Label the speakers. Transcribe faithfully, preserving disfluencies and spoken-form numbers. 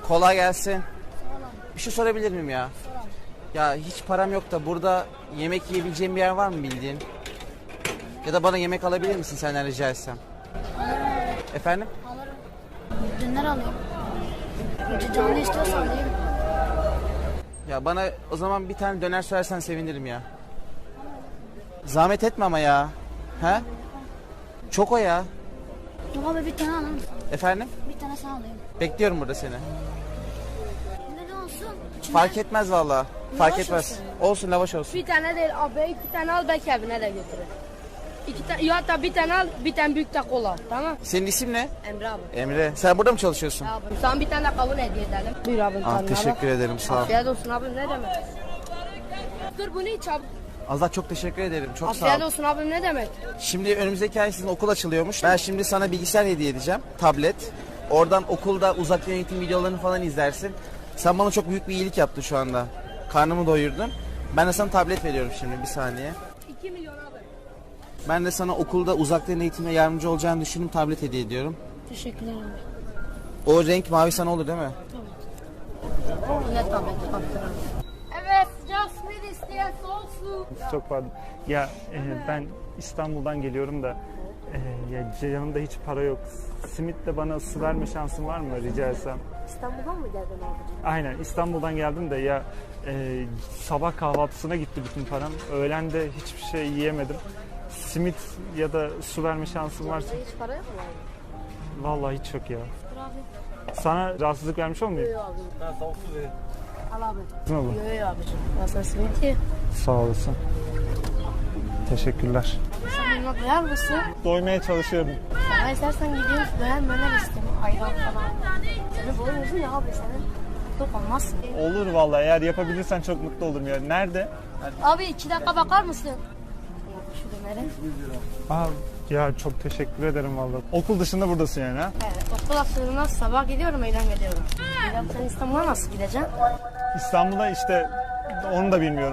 Speaker 1: Kolay gelsin. Bir şey sorabilir miyim ya? Ya hiç param yok da burada yemek yiyebileceğim bir yer var mı bildiğin? Ya da bana yemek alabilir misin senden rica etsem? Efendim?
Speaker 2: Alırım. Döner alayım. Canlı istiyorsan alayım.
Speaker 1: Ya bana o zaman bir tane döner söylersen sevinirim ya. Zahmet etme ama ya. He? Çok o ya.
Speaker 2: Yok abi bir tane alalım.
Speaker 1: Efendim?
Speaker 2: Bir tane sen alayım.
Speaker 1: Bekliyorum burada seni.
Speaker 2: Ne de olsun? İçinde
Speaker 1: Fark etmez valla. Fark
Speaker 2: Lavaş
Speaker 1: etmez.
Speaker 2: olsun.
Speaker 1: Olsun lavaş olsun.
Speaker 3: Bir tane değil abi, iki tane al, belki evine de götürür. İki tane, ya hatta bir tane al, bir tane büyük de kola, tamam?
Speaker 1: Senin isim ne?
Speaker 3: Emre abi.
Speaker 1: Emre. Sen burada mı çalışıyorsun?
Speaker 3: Abi, sana bir tane de kavun hediye edelim. Buyur abi.
Speaker 1: Ah,
Speaker 3: tadına
Speaker 1: teşekkür
Speaker 3: bak.
Speaker 1: ederim sağ ol.
Speaker 3: Afiyet olsun abi, ne demek? Dur bunu iç abi.
Speaker 1: Allah çok teşekkür ederim. Çok sağ
Speaker 3: Afiyet
Speaker 1: ol.
Speaker 3: olsun abi, ne demek?
Speaker 1: Şimdi önümüzdeki ay sizin okul açılıyormuş. Ben şimdi sana bilgisayar hediye edeceğim. Tablet. Oradan okulda uzaktan eğitim videolarını falan izlersin. Sen bana çok büyük bir iyilik yaptın şu anda. Karnımı doyurdun. Ben de sana tablet veriyorum şimdi bir saniye.
Speaker 3: iki milyon abi.
Speaker 1: Ben de sana okulda uzaktan eğitimde yardımcı olacağını düşündüm. Tablet hediye ediyorum.
Speaker 2: Teşekkürler abi.
Speaker 1: O renk mavi sana olur değil mi?
Speaker 3: Ne tabii ki. Evet, sıcak simit isteyen soğuk su.
Speaker 4: Çok pardon. Ya e, ben İstanbul'dan geliyorum da e, ya yanımda hiç para yok. Simitle bana su verme şansın var mı rica etsem?
Speaker 3: İstanbul'dan mı geldin abi?
Speaker 4: Aynen İstanbul'dan geldim de ya e, sabah kahvaltısına gitti bütün param. Öğlen de hiçbir şey yiyemedim. Simit ya da su verme şansın varsa.
Speaker 3: Hiç para yok mu abi?
Speaker 4: Vallahi hiç yok ya.
Speaker 3: Dur abi.
Speaker 4: Sana rahatsızlık vermiş olmayayım?
Speaker 3: Yok abi. Ben soğuk su vereyim. Al abi.
Speaker 4: Ne olur?
Speaker 3: Yok yok abicim. Ben sana simit ye.
Speaker 4: Sağ olasın. Teşekkürler.
Speaker 3: Sen buna doyar mısın?
Speaker 4: Doymaya çalışıyorum.
Speaker 3: Sana istersen gidiyoruz, döner möner isteyeyim. Ayran falan. Senin boyun uzun ya abi, senin tok olmazsın.
Speaker 4: Olur vallahi eğer yapabilirsen çok mutlu olurum ya. Nerede?
Speaker 3: Abi iki dakika bakar mısın? Şu dönere.
Speaker 4: Aa, ya çok teşekkür ederim vallahi. Okul dışında buradasın yani ha?
Speaker 3: Evet, okul açılığına sabah gidiyorum, öğlen gidiyorum. Ya sen İstanbul'a nasıl gideceksin?
Speaker 4: İstanbul'a işte onu da bilmiyorum.